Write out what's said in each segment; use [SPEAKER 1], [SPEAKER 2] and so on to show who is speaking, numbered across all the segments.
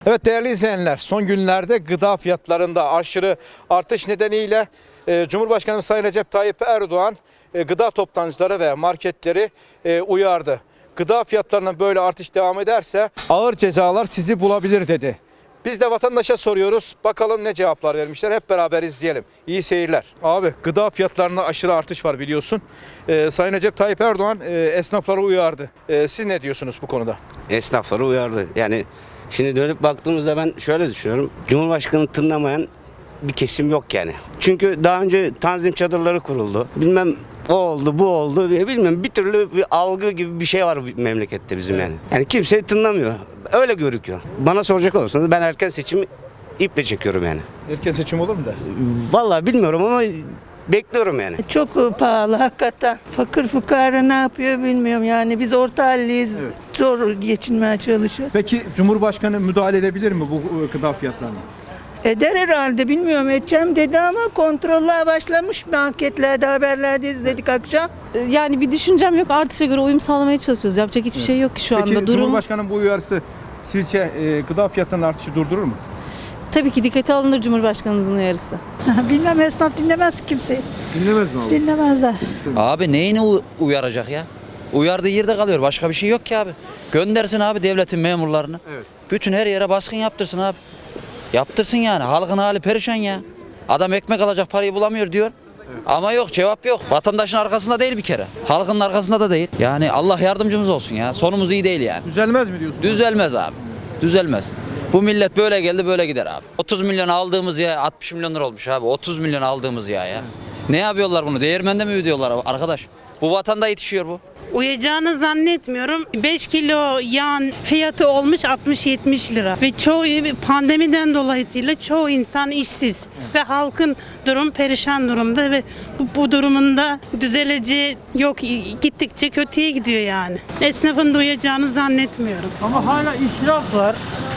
[SPEAKER 1] Evet değerli izleyenler, son günlerde gıda fiyatlarında aşırı artış nedeniyle Cumhurbaşkanı Sayın Recep Tayyip Erdoğan gıda toptancıları ve marketleri uyardı. Gıda fiyatlarının böyle artış devam ederse ağır cezalar sizi bulabilir dedi. Biz de vatandaşa soruyoruz. Bakalım ne cevaplar vermişler. Hep beraber izleyelim. İyi seyirler. Abi gıda fiyatlarında aşırı artış var biliyorsun. Sayın Recep Tayyip Erdoğan esnafları uyardı. Siz ne diyorsunuz bu konuda?
[SPEAKER 2] Esnafları uyardı. Yani şimdi dönüp baktığımızda ben şöyle düşünüyorum. Cumhurbaşkanı tınlamayan bir kesim yok yani. Çünkü daha önce tanzim çadırları kuruldu. Bilmem o oldu, bu oldu. Bilmem bir türlü bir algı gibi bir şey var memlekette bizim yani. Yani kimse tınlamıyor. Öyle görünüyor. Bana soracak olursanız ben erken seçimi iple çekiyorum yani.
[SPEAKER 1] Erken seçim olur mu dersin?
[SPEAKER 2] Vallahi bilmiyorum ama bekliyorum yani.
[SPEAKER 3] Çok pahalı hakikaten. Fakir fukara ne yapıyor bilmiyorum yani. Biz orta halliyiz.
[SPEAKER 1] Evet.
[SPEAKER 3] Zor geçinmeye çalışıyoruz.
[SPEAKER 1] Peki Cumhurbaşkanı müdahale edebilir mi bu gıda fiyatlarına?
[SPEAKER 3] Eder herhalde bilmiyorum edeceğim dedi ama kontroller başlamış marketlerde haberlerde izledik akşam.
[SPEAKER 4] Yani bir düşüncem yok. Artışa göre uyum sağlamaya çalışıyoruz. Yapacak hiçbir şey yok ki şu
[SPEAKER 1] Peki
[SPEAKER 4] anda. Durum
[SPEAKER 1] Cumhurbaşkanı'nın bu uyarısı sizce gıda fiyatlarının artışı durdurur mu?
[SPEAKER 4] tabii ki dikkate alınır Cumhurbaşkanımızın uyarısı.
[SPEAKER 5] Bilmem, esnaf dinlemez kimseyi.
[SPEAKER 1] Dinlemez mi abi?
[SPEAKER 5] Dinlemezler.
[SPEAKER 6] Abi neyini uyaracak ya? Uyardığı yerde kalıyor. Başka bir şey yok ki abi. Göndersin abi devletin memurlarını.
[SPEAKER 1] Evet.
[SPEAKER 6] Bütün her yere baskın yaptırsın abi. Yaptırsın yani. Halkın hali perişan ya. Adam ekmek alacak parayı bulamıyor diyor. Ama yok, cevap yok. Vatandaşın arkasında değil bir kere. Halkın arkasında da değil. Yani Allah yardımcımız olsun ya. Sonumuz iyi değil yani.
[SPEAKER 1] Düzelmez mi diyorsun?
[SPEAKER 6] Düzelmez abi. Düzelmez. Bu millet böyle geldi böyle gider abi. 30 milyon aldığımız ya 60 milyon lira olmuş abi. 30 milyon aldığımız ya. Ne yapıyorlar bunu? Değirmende mi ödüyorlar arkadaş? Bu vatanda yetişiyor bu.
[SPEAKER 7] Uyacağını zannetmiyorum. 5 kilo yağın fiyatı olmuş 60-70 lira. Ve çoğu pandemiden dolayısıyla çoğu insan işsiz. Ve halkın durum perişan durumda ve bu durumunda düzeleceği yok. Gittikçe kötüye gidiyor yani. Esnafın da uyacağını zannetmiyorum.
[SPEAKER 8] Ama hala israf var.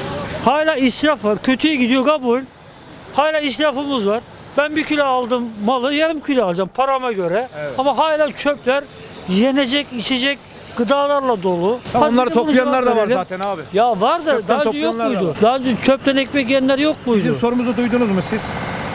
[SPEAKER 8] Hala israf var. Kötüye gidiyor kabul. Hala israfımız var. Ben 1 kilo aldım malı yarım kilo alacağım parama göre. Ama hala çöpler yenecek, içecek gıdalarla dolu.
[SPEAKER 1] Tamam,
[SPEAKER 8] Hadi
[SPEAKER 1] onları
[SPEAKER 8] bir de bunu
[SPEAKER 1] toplayanlar da
[SPEAKER 8] cevap
[SPEAKER 1] var
[SPEAKER 8] verelim.
[SPEAKER 1] zaten abi.
[SPEAKER 8] Ya var da
[SPEAKER 1] Çöpten
[SPEAKER 8] daha önce yok
[SPEAKER 1] toplayanlar da
[SPEAKER 8] muydu?
[SPEAKER 1] var.
[SPEAKER 8] Daha önce çöpten ekmek yiyenler yok muydu?
[SPEAKER 1] Bizim sorumuzu duydunuz mu siz?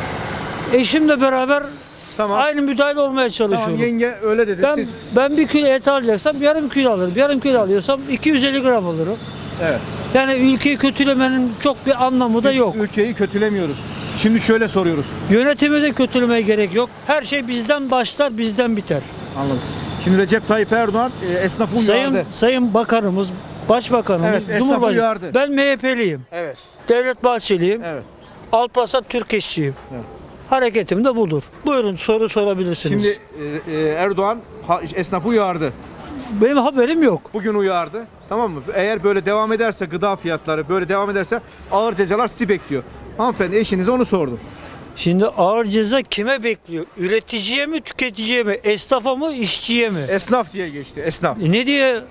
[SPEAKER 8] Eşimle beraber
[SPEAKER 1] Tamam.
[SPEAKER 8] aynı müdahale olmaya çalışıyorum.
[SPEAKER 1] Tamam, yenge öyle dedi. Siz...
[SPEAKER 8] Ben 1 kilo et alacaksam yarım kilo alırım. Yarım kilo alıyorsam 250 gram alırım.
[SPEAKER 1] Evet.
[SPEAKER 8] Yani ülkeyi kötülemenin çok bir anlamı da yok.
[SPEAKER 1] Ülkeyi kötülemiyoruz. Şimdi şöyle soruyoruz.
[SPEAKER 8] Yönetimi de kötülemeye gerek yok. Her şey bizden başlar, bizden biter.
[SPEAKER 1] Anladım. Şimdi Recep Tayyip Erdoğan esnafı uyardı.
[SPEAKER 8] Sayın Bakanımız, Başbakanımız,
[SPEAKER 1] Evet, esnafı
[SPEAKER 8] Cumhurbaşkanı.
[SPEAKER 1] uyardı.
[SPEAKER 8] Ben MHP'liyim.
[SPEAKER 1] Evet.
[SPEAKER 8] Devlet Bahçeliyim.
[SPEAKER 1] Evet.
[SPEAKER 8] Alparslan Türkeşçiyim. Hareketim de budur. Buyurun soru sorabilirsiniz.
[SPEAKER 1] Şimdi Erdoğan esnafı uyardı.
[SPEAKER 8] Benim haberim yok.
[SPEAKER 1] Bugün uyardı. Tamam mı? Eğer böyle devam ederse gıda fiyatları böyle devam ederse ağır cezalar sizi bekliyor. Hanımefendi eşinize onu sordum.
[SPEAKER 8] Şimdi ağır ceza kime bekliyor? Üreticiye mi, tüketiciye mi? Esnafa mı, işçiye mi?
[SPEAKER 1] Esnaf diye geçti. Esnaf.
[SPEAKER 8] Ne diye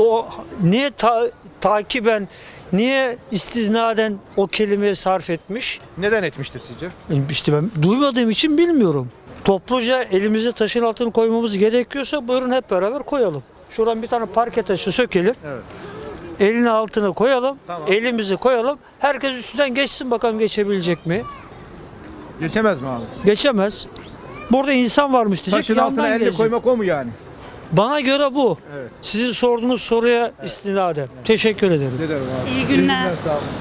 [SPEAKER 8] niye takiben, niye istisnaden o kelimeyi sarf etmiş?
[SPEAKER 1] Neden etmiştir sizce?
[SPEAKER 8] İşte ben duymadığım için bilmiyorum. Topluca elimize taşın altını koymamız gerekiyorsa buyurun hep beraber koyalım. Şuradan bir tane parke taşı sökelim.
[SPEAKER 1] Evet.
[SPEAKER 8] Elini altına koyalım.
[SPEAKER 1] Tamam.
[SPEAKER 8] Elimizi koyalım. Herkes üstünden geçsin bakalım geçebilecek mi?
[SPEAKER 1] Geçemez mi abi?
[SPEAKER 8] Geçemez. Burada insan varmış diyecek.
[SPEAKER 1] Taşın
[SPEAKER 8] yandan
[SPEAKER 1] altına elini
[SPEAKER 8] gelecek.
[SPEAKER 1] koymak o mu yani?
[SPEAKER 8] Bana göre bu.
[SPEAKER 1] Evet.
[SPEAKER 8] Sizin sorduğunuz soruya istinaden. Teşekkür ederim.
[SPEAKER 1] Ne derim abi?
[SPEAKER 7] İyi günler.
[SPEAKER 1] Sağ olun.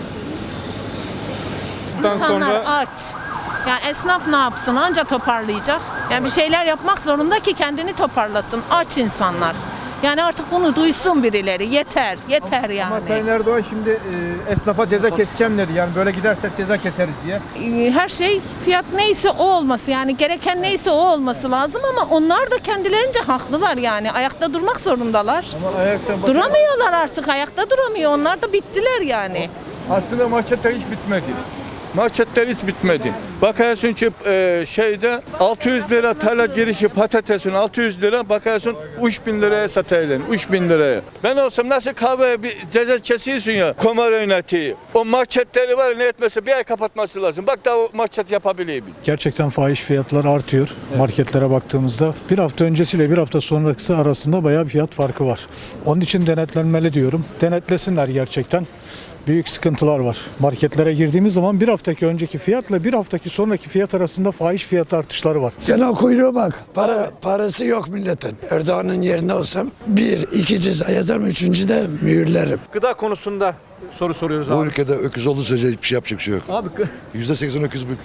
[SPEAKER 9] İnsanlar aç. Yani esnaf ne yapsın? Anca toparlayacak. Yani bir şeyler yapmak zorunda ki kendini toparlasın. Aç insanlar. Yani artık bunu duysun birileri. Yeter, yeter yani.
[SPEAKER 1] Ama Sayın Erdoğan şimdi esnafa ceza keseceğim dedi. Yani böyle giderse ceza keseriz diye.
[SPEAKER 9] Her şey fiyat neyse o olması yani gereken neyse o olması lazım ama onlar da kendilerince haklılar yani. Ayakta durmak zorundalar.
[SPEAKER 1] Ama ayakta
[SPEAKER 9] Duramıyorlar artık. Ayakta duramıyor. Onlar da bittiler yani.
[SPEAKER 10] Aslında marketler hiç bitmedi. Marketler hiç bitmedi. Bakıyorsun ki şeyde 600 lira tarla girişi patatesin 600 lira bakıyorsun 3000 liraya satayım 3000 liraya. Ben olsam nasıl kahveye bir ceza kesiyorsun ya kumar oynatıyor. O marketleri var ne etmesi bir ay kapatması lazım. Bak daha o market yapabiliyor.
[SPEAKER 11] Gerçekten fahiş fiyatlar artıyor marketlere baktığımızda. Bir hafta öncesiyle bir hafta sonrası arasında bayağı bir fiyat farkı var. Onun için denetlenmeli diyorum. Denetlesinler gerçekten. Büyük sıkıntılar var. Marketlere girdiğimiz zaman bir haftaki önceki fiyatla bir haftaki sonraki fiyat arasında fahiş fiyat artışları var.
[SPEAKER 12] Sen o kuyruğa bak. Parası yok milletin. Erdoğan'ın yerine olsam 1, 2 ceza yazarım, 3. de mühürlerim.
[SPEAKER 1] Gıda konusunda soru soruyoruz
[SPEAKER 13] Bu
[SPEAKER 1] abi.
[SPEAKER 13] ülkede öküz olduğu sürece hiçbir şey yapacak bir şey yok.
[SPEAKER 1] Abi
[SPEAKER 13] %80 öküz bu ülkede.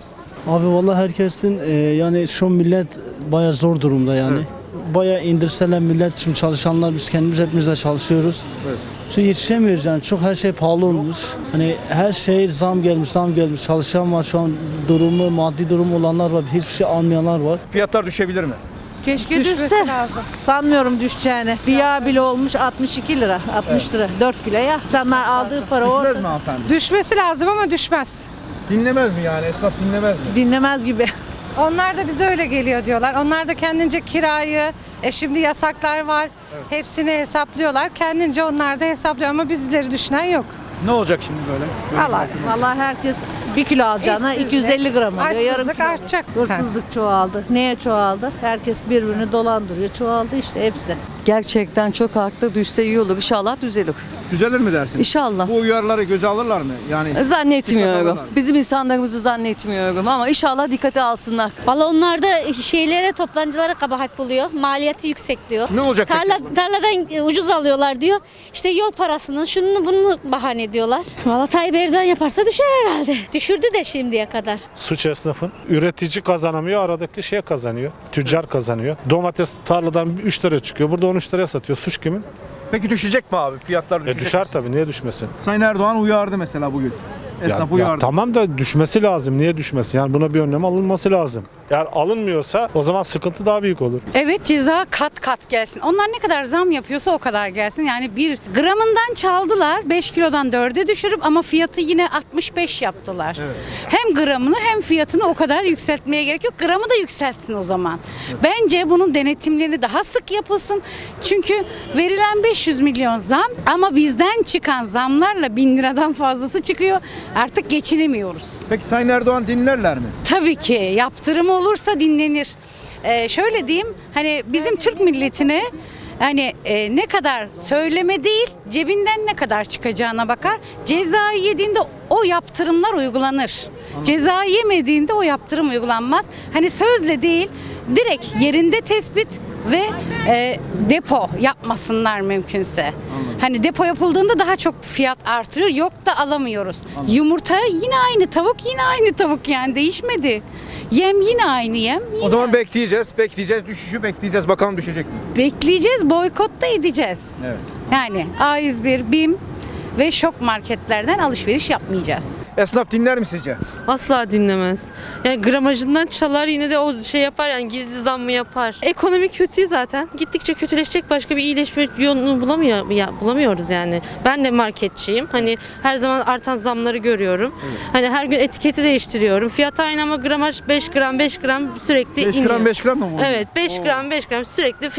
[SPEAKER 8] Abi vallahi herkesin yani şu millet baya zor durumda yani.
[SPEAKER 1] Evet.
[SPEAKER 8] Baya indirseler millet, şimdi çalışanlar biz kendimiz hepimiz de çalışıyoruz.
[SPEAKER 1] Evet.
[SPEAKER 8] Çünkü yetişemiyoruz yani, çok her şey pahalı olmuş. Hani her şey zam gelmiş. Çalışan var şu an, maddi durumu olanlar var, hiçbir şey almayanlar var.
[SPEAKER 1] fiyatlar düşebilir mi?
[SPEAKER 3] Keşke düşse. Sanmıyorum düşeceğini. Bir yağ bile olmuş 62 lira, 60 lira. 4 kilo ya. İnsanlar aldığı para
[SPEAKER 1] Düşmez
[SPEAKER 3] orada.
[SPEAKER 1] mi hanımefendi?
[SPEAKER 5] Düşmesi lazım ama düşmez.
[SPEAKER 1] Dinlemez mi yani? Esnaf dinlemez mi?
[SPEAKER 3] Dinlemez gibi.
[SPEAKER 5] Onlar da bize öyle geliyor diyorlar. Onlar da kendince kirayı, şimdi yasaklar var. Hepsini hesaplıyorlar. Kendince onlar da hesaplıyor ama bizleri düşünen yok.
[SPEAKER 1] Ne olacak şimdi böyle?
[SPEAKER 3] Vallahi herkes 1 kilo alacağına
[SPEAKER 5] İşsizlik,
[SPEAKER 3] 250 gram alıyor. Yarım
[SPEAKER 5] Açsızlık
[SPEAKER 3] kilo.
[SPEAKER 5] artacak.
[SPEAKER 3] Hırsızlık çoğaldı. Neye çoğaldı? Herkes birbirini dolandırıyor. Çoğaldı işte hepsi.
[SPEAKER 4] Gerçekten çok arttı. Düşse iyi olur. İnşallah düzelir.
[SPEAKER 1] Düzelir mi dersin?
[SPEAKER 4] İnşallah.
[SPEAKER 1] Bu uyarıları göze alırlar mı? Yani Dikkat
[SPEAKER 4] Zannetmiyorum.
[SPEAKER 1] alırlar.
[SPEAKER 4] Bizim insanlarımızı zannetmiyorum ama inşallah dikkate alsınlar.
[SPEAKER 14] Valla onlar da şeylere, toptancılara kabahat buluyor. Maliyeti yüksek diyor.
[SPEAKER 1] Ne olacak peki?
[SPEAKER 14] Tarladan ucuz alıyorlar diyor. İşte yol parasını, şunu bunu bahane ediyorlar. Valla Tayyip Erdoğan yaparsa düşer herhalde. Düşürdü de şimdiye kadar.
[SPEAKER 11] Suç esnafın. Üretici kazanamıyor, aradaki şey kazanıyor. Tüccar kazanıyor. Domates tarladan 3 lira çıkıyor. Burada 13 liraya satıyor. Suç kimin?
[SPEAKER 1] Peki düşecek mi abi? Fiyatlar düşecek
[SPEAKER 11] Düşer
[SPEAKER 1] mi?
[SPEAKER 11] tabii, niye düşmesin?
[SPEAKER 1] Sayın Erdoğan uyardı mesela bugün. Esnaf uyardı.
[SPEAKER 11] Tamam da düşmesi lazım. Niye düşmesin? Yani buna bir önlem alınması lazım. Eğer alınmıyorsa o zaman sıkıntı daha büyük olur.
[SPEAKER 5] Evet, ceza kat kat gelsin. Onlar ne kadar zam yapıyorsa o kadar gelsin. Yani bir gramından çaldılar, 5 kilodan 4'e düşürüp ama fiyatı yine 65 yaptılar.
[SPEAKER 1] Evet.
[SPEAKER 5] Hem gramını hem fiyatını o kadar yükseltmeye gerek yok. Gramı da yükseltsin o zaman. Bence bunun denetimleri daha sık yapılsın. Çünkü verilen 500 milyon zam ama bizden çıkan zamlarla 1000 liradan fazlası çıkıyor. Artık geçinemiyoruz.
[SPEAKER 1] Peki Sayın Erdoğan dinlerler mi?
[SPEAKER 5] Tabii ki yaptırım olursa dinlenir. Şöyle diyeyim, hani bizim Türk milletine hani ne kadar söyleme değil, cebinden ne kadar çıkacağına bakar. Cezayı yediğinde o yaptırımlar uygulanır. Cezayı yemediğinde o yaptırım uygulanmaz. Hani sözle değil, direkt yerinde tespit ve depo yapmasınlar mümkünse. Hani depo yapıldığında daha çok fiyat artırıyor. Yok da alamıyoruz. Yumurta yine aynı, tavuk yine aynı tavuk, yani değişmedi. Yem yine aynı yem.
[SPEAKER 1] O zaman bekleyeceğiz. Düşüşü bekleyeceğiz. Bakalım düşecek mi?
[SPEAKER 5] Bekleyeceğiz, boykot da edeceğiz.
[SPEAKER 1] Evet.
[SPEAKER 5] Yani A101, BİM ve şok marketlerden alışveriş yapmayacağız.
[SPEAKER 1] Esnaf dinler mi sizce?
[SPEAKER 4] Asla dinlemez. Yani gramajından çalar, yine de o şey yapar, yani gizli zam mı yapar. Ekonomi kötü zaten. Gittikçe kötüleşecek, başka bir iyileşme yolunu bulamıyoruz yani. Ben de marketçiyim. Hani her zaman artan zamları görüyorum. Evet. Hani her gün etiketi değiştiriyorum. Fiyat aynı ama gramaj 5 gram sürekli
[SPEAKER 1] 5
[SPEAKER 4] iniyor.
[SPEAKER 1] gram 5 gram mı bu?
[SPEAKER 4] Evet, 5 gram sürekli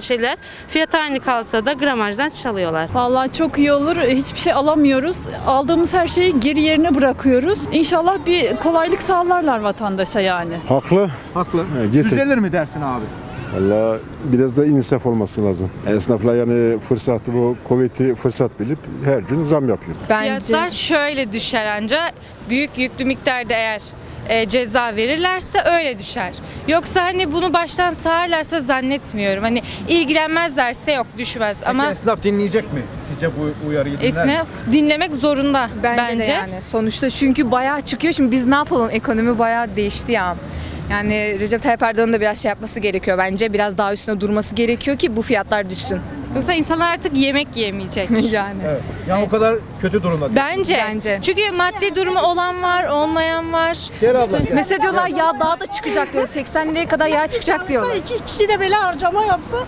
[SPEAKER 4] fiyat aynı kalsa da gramajdan çalıyorlar.
[SPEAKER 5] Vallahi çok iyi olur. Hiçbir şey alamıyoruz. Aldığımız her şeyi geri yerine bırakıyoruz. İnşallah bir kolaylık sağlarlar vatandaşa yani.
[SPEAKER 11] Haklı.
[SPEAKER 1] Haklı. Düzelir mi dersin abi?
[SPEAKER 11] Valla biraz da insaf olması lazım. Esnaflar yani fırsatı, bu kuvveti fırsat bilip her gün zam yapıyor.
[SPEAKER 14] Fiyatlar şöyle düşer anca. Büyük yüklü miktarda eğer ceza verirlerse öyle düşer. Yoksa hani bunu baştan sağarlarsa zannetmiyorum. Hani ilgilenmezlerse yok, düşmez.
[SPEAKER 1] Peki
[SPEAKER 14] Ama
[SPEAKER 1] esnaf dinleyecek mi? Sizce bu uyarıyı dinler mi?
[SPEAKER 14] esnaf dinlemek zorunda bence.
[SPEAKER 9] Yani sonuçta çünkü bayağı çıkıyor. Şimdi biz ne yapalım? Ekonomi bayağı değişti ya. Yani Recep Tayyip Erdoğan'ın da biraz şey yapması gerekiyor bence. Biraz daha üstüne durması gerekiyor ki bu fiyatlar düşsün.
[SPEAKER 14] Yoksa insanlar artık yemek yemeyecek.
[SPEAKER 9] Yani.
[SPEAKER 1] Evet. Yani o kadar kötü durumda.
[SPEAKER 14] Bence. Çünkü maddi durumu olan var, olmayan var.
[SPEAKER 1] Gel abla gel.
[SPEAKER 9] Mesela diyorlar yağ daha da çıkacak diyor. 80 liraya kadar yağ çıkacak diyorlar.
[SPEAKER 5] 2 kişi de böyle harcama yapsa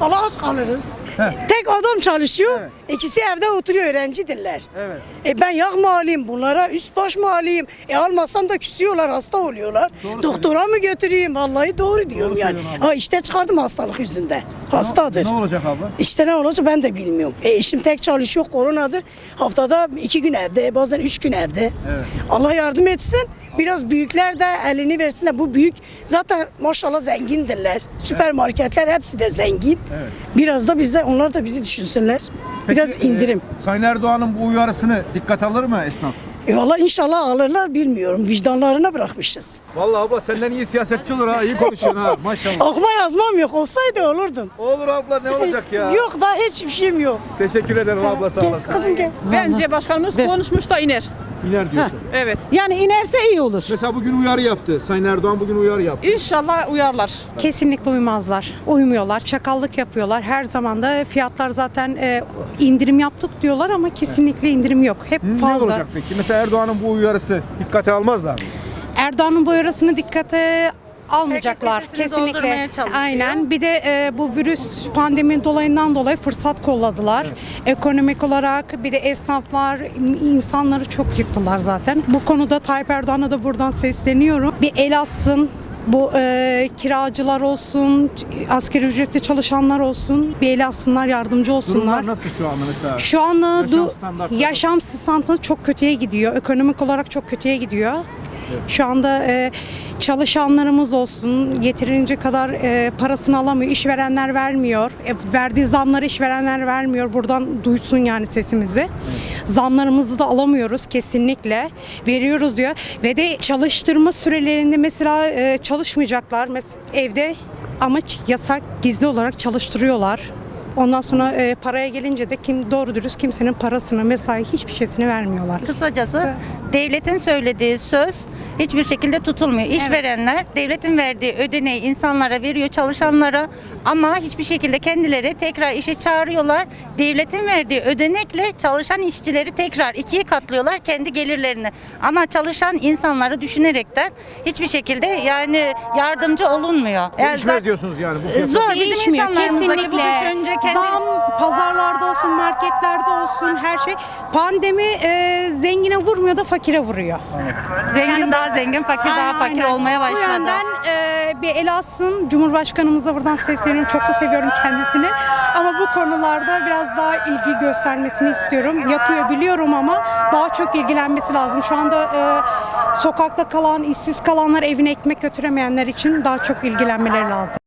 [SPEAKER 15] Allah aç kalırız. Tek adam çalışıyor, ikisi evde oturuyor, öğrencidirler.
[SPEAKER 1] Evet.
[SPEAKER 15] Ben yağ mı alayım, bunlara üst baş mı alayım? Almazsam da küsüyorlar, hasta oluyorlar. Doktora mı götüreyim? Vallahi doğru diyorum yani. İşte çıkardım hastalık yüzünden. Hastadır.
[SPEAKER 1] Ne olacak abla?
[SPEAKER 15] İşte ne olacak ben de bilmiyorum. Eşim tek çalışıyor, koronadır. Haftada 2 gün evde, bazen 3 gün evde.
[SPEAKER 1] Evet.
[SPEAKER 15] Allah yardım etsin. Biraz büyükler de elini versinler. Bu büyük zaten maşallah zengindirler. Süpermarketler hepsi de zengin.
[SPEAKER 1] Evet.
[SPEAKER 15] Biraz da bize, onlar da bizi düşünsünler. Biraz indirim.
[SPEAKER 1] Sayın Erdoğan'ın bu uyarısını dikkat alır mı esnaf?
[SPEAKER 15] Valla inşallah alırlar, bilmiyorum. Vicdanlarına bırakmışız.
[SPEAKER 1] Vallahi abla senden iyi siyasetçi olur ha. İyi konuşuyorsun ha. Maşallah.
[SPEAKER 15] Okuma yazmam yok. Olsaydı olurdum.
[SPEAKER 1] Olur abla, ne olacak ya?
[SPEAKER 15] Yok da hiçbir şeyim yok.
[SPEAKER 1] Teşekkür ederim abla, sağ
[SPEAKER 15] Gel,
[SPEAKER 1] olasın.
[SPEAKER 15] kızım gel.
[SPEAKER 16] Bence başkanımız konuşmuş da iner.
[SPEAKER 1] İner diyorsun.
[SPEAKER 16] Evet.
[SPEAKER 15] Yani inerse iyi olur.
[SPEAKER 1] Mesela bugün uyarı yaptı. Sayın Erdoğan bugün uyarı yaptı.
[SPEAKER 16] İnşallah uyarlar.
[SPEAKER 3] Kesinlikle uymazlar. Uymuyorlar. Çakallık yapıyorlar. Her zaman da fiyatlar zaten indirim yaptık diyorlar ama kesinlikle indirim yok. Hep
[SPEAKER 1] Ne
[SPEAKER 3] fazla.
[SPEAKER 1] olacak peki? Mesela Erdoğan'ın bu uyarısı dikkate almazlar mı?
[SPEAKER 3] Erdoğan'ın bu uyarısını dikkate almayacaklar.
[SPEAKER 14] Herkes sesini
[SPEAKER 3] Kesinlikle.
[SPEAKER 14] doldurmaya çalışıyor.
[SPEAKER 3] Aynen. Bir de bu virüs pandemi dolayından dolayı fırsat kolladılar. Ekonomik olarak bir de esnaflar insanları çok yıktılar zaten. Bu konuda Tayyip Erdoğan'a da buradan sesleniyorum. Bir el atsın. Bu kiracılar olsun, asgari ücretle çalışanlar olsun, bir el atsınlar, yardımcı olsunlar.
[SPEAKER 1] Durumlar nasıl şu anda mesela?
[SPEAKER 3] Şu anda
[SPEAKER 1] Yaşam standartları.
[SPEAKER 3] yaşam standartı çok kötüye gidiyor. Ekonomik olarak çok kötüye gidiyor. Şu anda çalışanlarımız olsun yeterince kadar parasını alamıyor. İşverenler vermiyor. Verdiği zamları işverenler vermiyor. Buradan duysun yani sesimizi. Zamlarımızı da alamıyoruz kesinlikle. Veriyoruz diyor. Ve de çalıştırma sürelerinde mesela çalışmayacaklar. Evde ama yasak, gizli olarak çalıştırıyorlar. Ondan sonra paraya gelince de doğru dürüst kimsenin parasını, mesai hiçbir şeysini vermiyorlar.
[SPEAKER 5] Kısacası devletin söylediği söz hiçbir şekilde tutulmuyor. İşverenler devletin verdiği ödeneği insanlara veriyor, çalışanlara, ama hiçbir şekilde kendileri tekrar işe çağırıyorlar. Devletin verdiği ödenekle çalışan işçileri tekrar ikiye katlıyorlar kendi gelirlerini. Ama çalışan insanları düşünerekten hiçbir şekilde yani yardımcı olunmuyor.
[SPEAKER 1] Değişmez diyorsunuz yani bu fiyatlar.
[SPEAKER 5] Zor bizim
[SPEAKER 3] Değişmiyor
[SPEAKER 5] insanlarımızdaki bu
[SPEAKER 3] kesinlikle.
[SPEAKER 5] düşünce
[SPEAKER 3] Zam pazarlarda olsun, marketlerde olsun her şey. Pandemi zengine vurmuyor da fakire vuruyor.
[SPEAKER 5] Zengin daha zengin, fakir daha fakir
[SPEAKER 3] Aynen.
[SPEAKER 5] olmaya başladı.
[SPEAKER 3] Bu yönden bir el atsın. Cumhurbaşkanımıza buradan sesleniyorum. Çok da seviyorum kendisini. Ama bu konularda biraz daha ilgi göstermesini istiyorum. Yapıyor biliyorum ama daha çok ilgilenmesi lazım. Şu anda sokakta kalan, işsiz kalanlar, evine ekmek götüremeyenler için daha çok ilgilenmeleri lazım.